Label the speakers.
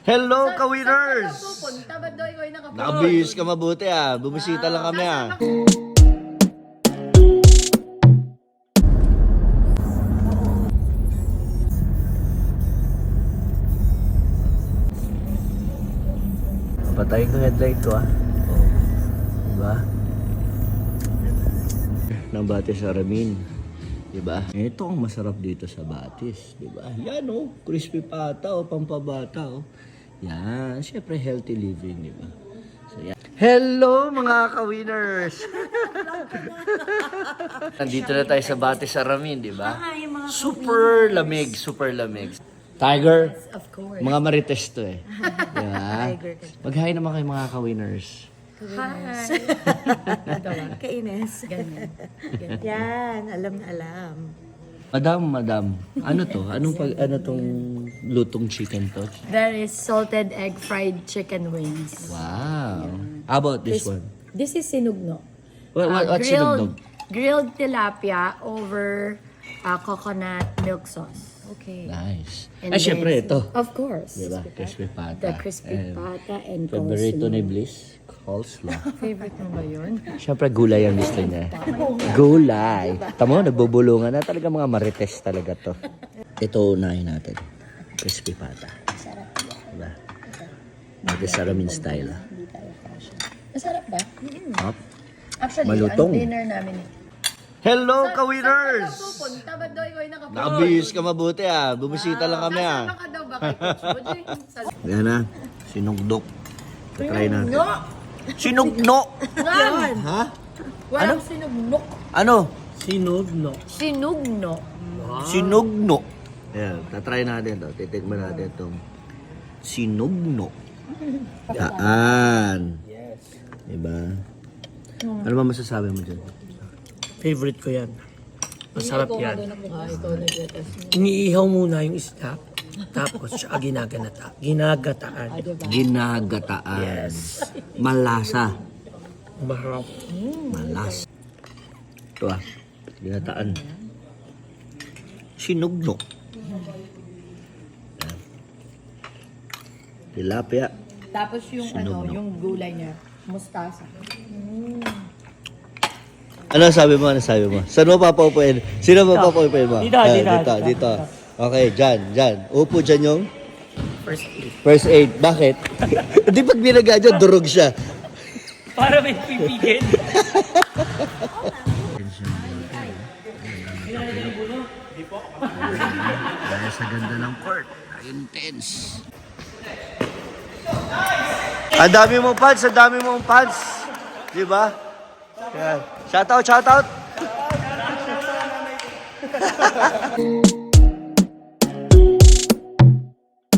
Speaker 1: Hello, ka-winners!
Speaker 2: Saan ka pupunta? Ba't daw ikaw ay nakapunta?
Speaker 1: Nakabihis ka mabuti Bumisita lang kami Patayin ko headlight ko Diba? Ng Batis Aramin. Diba? Ito ang masarap dito sa Batis. Diba? Yan crispy pata pampabata Yan. Siyempre healthy living. Diba? So yan. Hello mga ka-winners! Nandito na tayo sa Batis Aramin. Diba? Super lamig. Super lamig. Tiger,
Speaker 2: Of course.
Speaker 1: mga marites to Diba? Mag-hi naman kayo mga ka-winners.
Speaker 2: Hi.
Speaker 3: Kainis.
Speaker 2: Ganyan.
Speaker 3: Yan, alam na alam.
Speaker 1: Madam, ano to? Ano tong lutong chicken to?
Speaker 2: That is salted egg fried chicken wings.
Speaker 1: Wow. How about this one?
Speaker 2: This is sinugno.
Speaker 1: What's sinugnog?
Speaker 2: Grilled tilapia over coconut milk sauce.
Speaker 3: Okay.
Speaker 1: Nice.
Speaker 2: And
Speaker 1: Syempre
Speaker 2: then-
Speaker 1: ito.
Speaker 2: Of course.
Speaker 1: Diba? Crispy pata.
Speaker 2: The crispy pata and
Speaker 1: Favorito
Speaker 2: coleslaw.
Speaker 1: ni Bliss? Coleslaw.
Speaker 2: Favorite mo ba yun?
Speaker 1: Syempre gulay ang gusto niya. Gulay. Tamo, nagbubulungan na talaga mga marites talaga to. Ito unahin natin. Crispy pata. Diba? Batis Aramin style.
Speaker 2: Masarap ba?
Speaker 1: Hop.
Speaker 2: Actually,
Speaker 1: Malutong.
Speaker 2: ang dinner namin
Speaker 1: Hello,
Speaker 2: Saan
Speaker 1: ka-winners!
Speaker 2: ka pupunta? Ba't daw ikaw ay nakapunta?
Speaker 1: Nakabihis ka mabuti Bumisita lang kami
Speaker 2: Kasama ka daw ba kay Coach Bojoy?
Speaker 1: Yan sinugdok. Try natin.
Speaker 2: No!
Speaker 1: Sinugno!
Speaker 2: Yan!
Speaker 1: Ha?
Speaker 2: Walang sinugnok.
Speaker 1: Ano?
Speaker 4: Sinugno.
Speaker 2: Sinugno.
Speaker 1: Sinugno. Ayan, tatry natin to. Titikman natin itong sinugno. Yan.
Speaker 4: Yes.
Speaker 1: Diba? Ano ba masasabi mo dyan?
Speaker 4: Favorite ko yan. Masarap yan.
Speaker 2: Ikaw nag-test.
Speaker 4: Iniihaw muna yung isda. Tapos siya ginagataan.
Speaker 1: Ginagataan.
Speaker 4: Yes.
Speaker 1: Malasa.
Speaker 4: Maharap.
Speaker 1: Malas. Ito ginataan. Sinugno. Yan. Tilapia.
Speaker 2: Tapos yung
Speaker 1: Sinugno.
Speaker 2: yung gulay niya, mustasa.
Speaker 1: Ano sabi mo? Saan mo papaupuin? Sino mo papaupuin mo?
Speaker 4: Dito.
Speaker 1: Dito. Okay, dyan. Upo dyan yung
Speaker 4: First aid.
Speaker 1: first aid. Bakit? Hindi pag binaga dyan, durog siya.
Speaker 4: Para may pipigil.
Speaker 1: Dahil sa ganda ng court, intense. Ang dami mong fans. Di ba? Yan. Shout out.